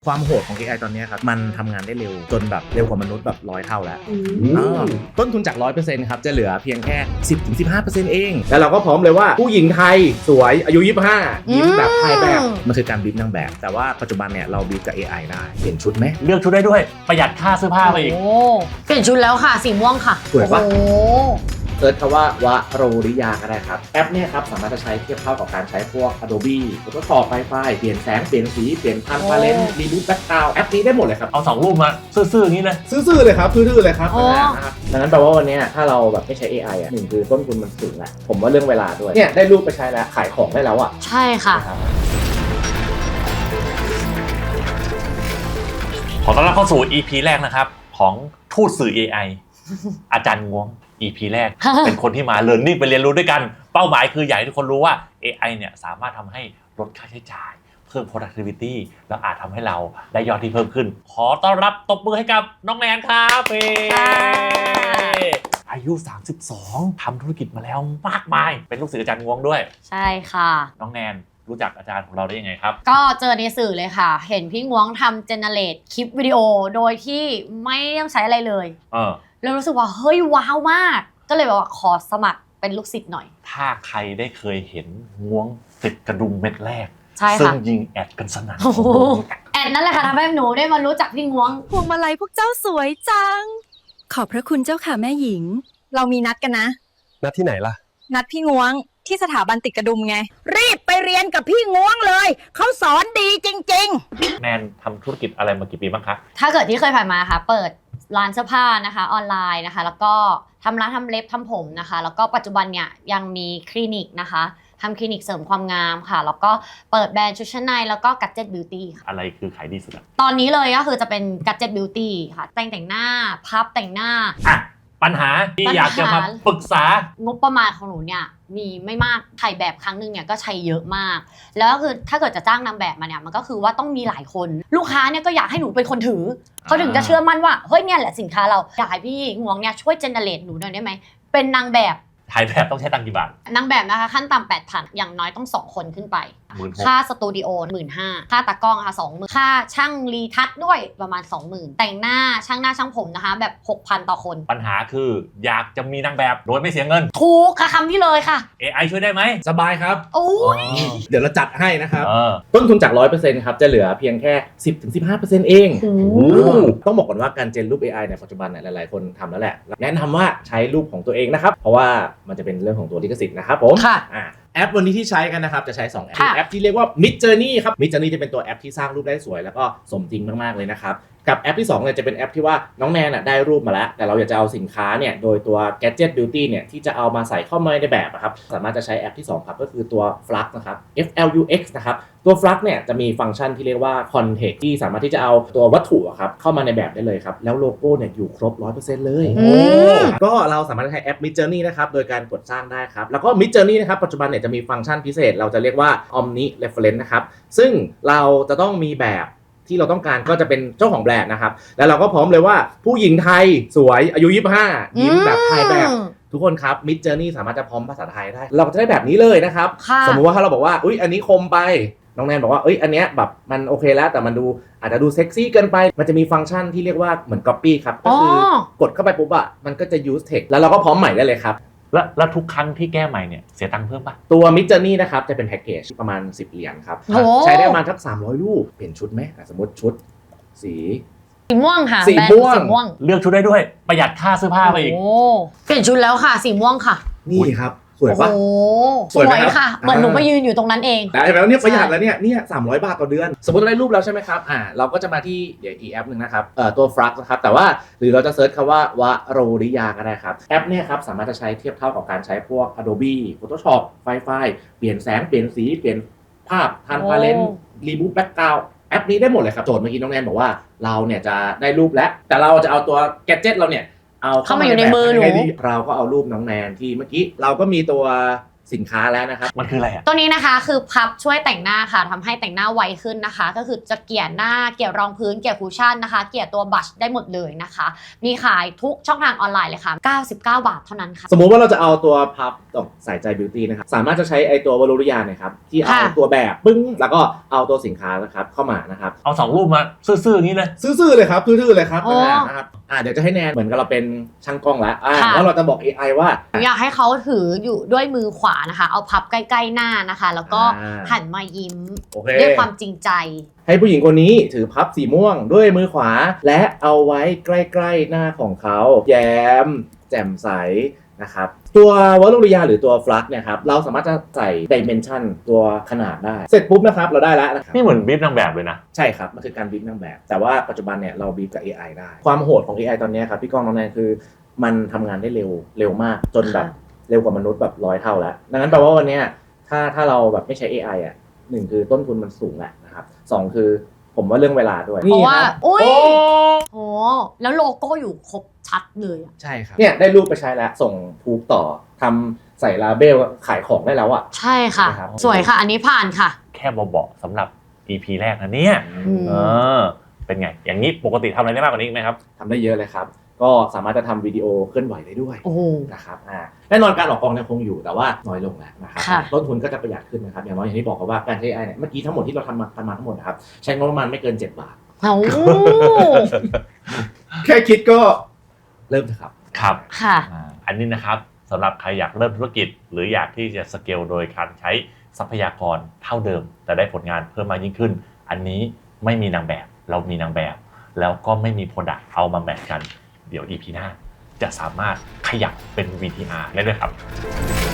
ความโหดของ AI ตอนนี้ครับมันทำงานได้เร็วจนแบบเร็วกว่ามนุษย์แบบ100 เท่าแล้วต้นทุนจาก 100% ครับจะเหลือเพียงแค่ 10-15% เองแล้วเราก็พร้อมเลยว่าผู้หญิงไทยสวยอายุ25ยิ้มแบบถ่ายแบบมันคือการบีบนางแบบแต่ว่าปัจจุบันเนี่ยเราบีบกับ AI ได้เปลี่ยนชุดไหมเลือกชุดได้ด้วยประหยัดค่าเสื้อผ้าไปอีกเปลี่ยนชุดแล้วค่ะสีม่วงค่ะสวยปะเซิร์ชคำว่าวะโรริยาก็ได้ครับแอปเนี่ยครับสามารถจะใช้เทียบเท่ากับการใช้พวก Adobe Photoshop ไฟล์เปลี่ยนแสงเปลี่ยนสีเปลี่ยนพันพาเลนรีบูทแบ็คกราวด์แอปนี้ได้หมดเลยครับเอา2 รูปมาซื่อๆอย่างนี้เลยซื่อๆเลยครับซื่อๆเลยครับนะครับดังนั้นแปลว่าวันนี้ถ้าเราแบบไม่ใช้ AI อ่ะหนึ่งคือต้นทุนมันสูงแหละผมว่าเรื่องเวลาด้วยเนี่ยได้รูปไปใช้แล้วขายของได้แล้วอ่ะใช่ค่ะขอต้อนรับเข้าสู่ EP แรกนะครับของทูตสื่อ AI อาจารย์งวง EP แรก เป็นคนที่มา learning ไปเรียนรู้ด้วยกันเป้าหมายคืออยากให้ทุกคนรู้ว่า AI เนี่ยสามารถทำให้ลดค่าใช้จ่ายเพิ่ม productivity แล้วอาจทำให้เราได้ยอดที่เพิ่มขึ้นขอต้อนรับตบมือให้กับน้องแนนครับอายุ32ทำธุรกิจมาแล้วมากมายเป็นลูกศิษย์อาจารย์งวงด้วยใช่ค่ะน้องแนนรู้จักอาจารย์ของเราได้ยังไงครับก็เจอในสื่อเลยค่ะเห็นพี่ง้วงทำเจเนเรตคลิปวิดีโอโดยที่ไม่ต้องใช้อะไรเลยแล้วรู้สึกว่าเฮ้ยว้าวมากก็เลยแบบว่าขอสมัครเป็นลูกศิษย์หน่อยถ้าใครได้เคยเห็นง้วงติดกระดุมเม็ดแรกใช่ค่ะซึ่งยิงแอดกันสนั่นแอดนั่นแหละค่ะทำให้หนูได้มารู้จักพี่ง้วงพวงมาลัยพวกเจ้าสวยจังขอบพระคุณเจ้าค่ะแม่หญิงเรามีนัดกันนะนัดที่ไหนล่ะนัดพี่ง้วงที่สถาบันติดกระดุมไงรีบไปเรียนกับพี่ง้วงเลยเขาสอนดีจริงๆแนนทำธุรกิจอะไรมากี่ปีบ้างคะถ้าเกิดที่เคยผ่านมาค่ะเปิดร้านเสื้อผ้านะคะออนไลน์นะคะแล้วก็ทำร้านทำเล็บทำผมนะคะแล้วก็ปัจจุบันเนี่ยยังมีคลินิกนะคะทำคลินิกเสริมความงามค่ะแล้วก็เปิดแบรนด์ชุดชั้นในแล้วก็ Gadget Beauty ค่ะอะไรคือขายดีสุดตอนนี้เลยก็คือจะเป็น Gadget Beauty ค่ะแต่งหน้าพับแต่งหน้าปัญหาที่อยากจะมาปรึกษางบประมาณของหนูเนี่ยมีไม่มากถ่ายแบบครั้งนึงเนี่ยก็ใช้เยอะมากแล้วก็คือถ้าเกิดจะจ้างนางแบบมาเนี่ยมันก็คือว่าต้องมีหลายคนลูกค้าเนี่ยก็อยากให้หนูเป็นคนถือเขาถึงจะเชื่อมั่นว่าเฮ้ยเนี่ยแหละสินค้าเราอยากให้พี่งวงเนี่ยช่วยเจเนเรตหนูหน่อยได้ไหมเป็นนางแบบถ่ายแบบต้องใช้ตังค์กี่บาทนางแบบนะคะขั้นต่ำ 8,000 อย่างน้อยต้อง2 คนขึ้นไปค่าสตูดิโอ 15,000 ค่าตากล้องค่ะ 20,000 ค่าช่างรีทัชด้วยประมาณ 20,000 แต่งหน้าช่างผมนะคะแบบ 6,000 ต่อคนปัญหาคืออยากจะมีนางแบบโดยไม่เสียเงินถูกค่ะคำนี้เลยค่ะ AI ช่วยได้ไหมสบายครับโอ้ยเดี๋ยวเราจัดให้นะครับต้นทุนจาก 100% ครับจะเหลือเพียงแค่ 10-15% เองต้องบอกก่อนว่าการเจนรูป AI ในปัจจุบันเนี่ยหลายๆคนทำแล้วแหละแนะนำว่าใช้รูปของตัวเองนะครับเพราะว่ามันจะเป็นเรื่องของตัวลิขสิทธิ์นะครับผมแอปวันนี้ที่ใช้กันนะครับจะใช้2แอปที่เรียกว่า Midjourney ครับ Midjourney จะเป็นตัวแอปที่สร้างรูปได้สวยแล้วก็สมจริงมากๆเลยนะครับกับแอปที่2เนี่ยจะเป็นแอปที่ว่าน้องแนนได้รูปมาแล้วแต่เราอยากจะเอาสินค้าเนี่ยโดยตัว Gadget Beauty เนี่ยที่จะเอามาใส่เข้ามาในแบบครับสามารถจะใช้แอปที่2ครับก็คือตัว Flux นะครับ FLUX นะครับตัว Flux เนี่ยจะมีฟังก์ชันที่เรียกว่า Context ที่สามารถที่จะเอาตัววัตถุครับเข้ามาในแบบได้เลยครับแล้วโลโก้เนี่ยอยู่ครบ 100% เลยก็เราสามารถใช้แอป Midjourney นะครับโดยการกดสร้างได้ครับแล้วก็ Midjourney นะครับปัจจุบันเนี่ยจะมีฟังก์ชันพิเศษเราจะเรียกว่า Omni Reference นะครับซึ่งเราจะต้องมีแบบที่เราต้องการก็จะเป็นเจ้าของแบรนด์นะครับแล้วเราก็พร้อมเลยว่าผู้หญิงไทยสวยอายุ25ยิ้มแบบถ่ายแบบทุกคนครับ Midjourney สามารถจะพร้อมภาษาไทยได้เราก็จะได้แบบนี้เลยนะครับสมมุติว่าถ้าเราบอกว่าอุ๊ยอันนี้คมไปน้องแนนบอกว่าอันเนี้ยแบบมันโอเคแล้วแต่มันดูอาจจะดูเซ็กซี่เกินไปมันจะมีฟังก์ชันที่เรียกว่าเหมือน copy ครับก็คือกดเข้าไปปุ๊บมันก็จะ use text แล้วเราก็พร้อมใหม่ได้เลยครับแล้วทุกครั้งที่แก้ใหม่เนี่ยเสียตังค์เพิ่มปะตัว Midjourney นะครับจะเป็นแพ็กเกจประมาณ10 เหรียญครับใช้ได้ประมาณสัก300 รูปเปลี่ยนชุดไหมสมมติชุดสีม่วงค่ะสีม่วงเลือกชุดได้ด้วยประหยัดค่าเสื้อผ้าไปอีกเปลี่ยนชุดแล้วค่ะสีม่วงค่ะนี่ครับสวยปะสวยค่ะเหมือนหนูไปยืนอยู่ตรงนั้นเองแต่แล้วเนี่ยประหยัดแล้วเนี่ย300 บาทต่อเดือนสมมติเราได้รูปแล้วใช่ไหมครับเราก็จะมาที่เดี๋ยวอีกแอปหนึ่งนะครับตัว Flux นะครับแต่ว่าหรือเราจะเซิร์ชคำว่าวะโรริยาก็ได้ครับแอปเนี่ยครับสามารถจะใช้เทียบเท่ากับการใช้พวก Adobe Photoshop ไฟล์เปลี่ยนแสงเปลี่ยนสีเปลี่ยนภาพทันพาเลนรีบูทแบ็คกราวด์แอปนี้ได้หมดเลยครับโจทย์เมื่อกี้น้องแนนบอกว่าเราเนี่ยจะได้รูปแล้วแต่เราจะเอาตัวแกดเจ็ตเราเนี่ยเอาเข้ามาอยู่ในมือหนูเราก็เอารูปน้องแนนที่เมื่อกี้เราก็มีตัวสินค้าแล้วนะครับมันคืออะไรอ่ะตัวนี้นะคะคือพับช่วยแต่งหน้าค่ะทำให้แต่งหน้าไวขึ้นนะคะ ก็คือจะเกลี่ยหน้าเกลี่ยรองพื้นเกลี่ยคุชชั่นนะคะเกลี่ยตัวบัชได้หมดเลยนะคะมีขายทุกช่องทางออนไลน์เลยค่ะ99 บาทเท่านั้นค่ะสมมุติว่าเราจะเอาตัวพับตกใส่ใจบิวตี้นะครับสามารถจะใช้ไอตัววลูริยาเนี่ยครับที่เอาค่ะตัวแบบปึ้งแล้วก็เอาตัวสินค้านะครับเข้ามานะครับเอา2 รูปมาซื่อๆอย่างนี้เลยซื่อๆเลยครับซื่อๆเลยครับโอ้นะครับเดี๋ยวจะให้แนนเหมือนกับเราเป็นช่างกล้องแล้วค่ะแล้วเราจะบอก AI ว่าหนูอยากให้เขาถืออยู่ด้วยมือขวานะคะ เอาพับใกล้ๆหน้านะคะ แล้วก็ หันมายิ้มโอเคด้วยความจริงใจให้ผู้หญิงคนนี้ถือพับสีม่วงด้วยมือขวา และเอาไว้ใกล้ๆหน้าของเขาแย้มแจ่มใสนะครับตัววลูริยาหรือตัวฟลักเนี่ยครับเราสามารถจะใส่ดิเมนชันตัวขนาดได้เสร็จปุ๊บนะครับเราได้แล้วนะครับนี่เหมือนบีฟนางแบบเลยนะใช่ครับ มันคือการบีบนางแบบ แต่ว่าปัจจุบันเนี่ยเราบีบกับ AI ได้ ความโหดของ AI ตอนนี้ครับพี่ก้องน้องแนนคือมันทำงานได้เร็วมากจนแบบเร็วกว่ามนุษย์แบบ100 เท่าแล้ว ดังนั้นแปลว่าวันนี้ถ้าเราแบบไม่ใช้ AI อ่ะ1คือต้นทุนมันสูงแหละนะครับ2คือผมว่าเรื่องเวลาด้วยเพราะว่านี่ครับอุ้ยโอ้โอ้แล้วโลโก้อยู่ครบชัดเลยอะใช่ครับเนี่ยได้รูปไปใช้แล้วส่งพูกต่อทำใส่ลาเบลขายของได้แล้วอ่ะใช่ค่ะครับสวยค่ะ อันนี้ผ่านค่ะแค่เบาๆสำหรับ EP แรกนะเนี่ยมเออเป็นไง อย่างนี้ปกติทำอะไรได้มากกว่านี้อีกไหมครับทำได้เยอะเลยครับ ก็สามารถจะทำวิดีโอเคลื่อนไหวได้ด้วยโอ้โหนะครับแน่นอนการออกกองยังคงอยู่แต่ว่าน้อยลงแล้วนะครับค่ะต้นทุนก็จะประหยัดขึ้นนะครับอย่างน้อยอย่างที่บอกครับว่าการใช้ AI เนี่ยเมื่อกี้ทั้งหมดที่เราทำมาทั้งหมดนะครับใช้งบประมาณไม่เกิน 7 บาทเอ้าแค่คิดก็เริ่มเถอะครับครับค่ะอันนี้นะครับสำหรับใครอยากเริ่มธุรกิจ หรืออยากที่จะสเกลโดยการใช้ทรัพยากรเท่าเดิม แต่ได้ผลงานเพิ่มมากยิ่งขึ้น อันนี้ไม่มีนางแบบเรามีนางแบบ แล้วก็ไม่มีโปรดักต์เอามาแมทกัน เดี๋ยว EP หน้าจะสามารถขยับเป็น VTR ได้ด้วยครับ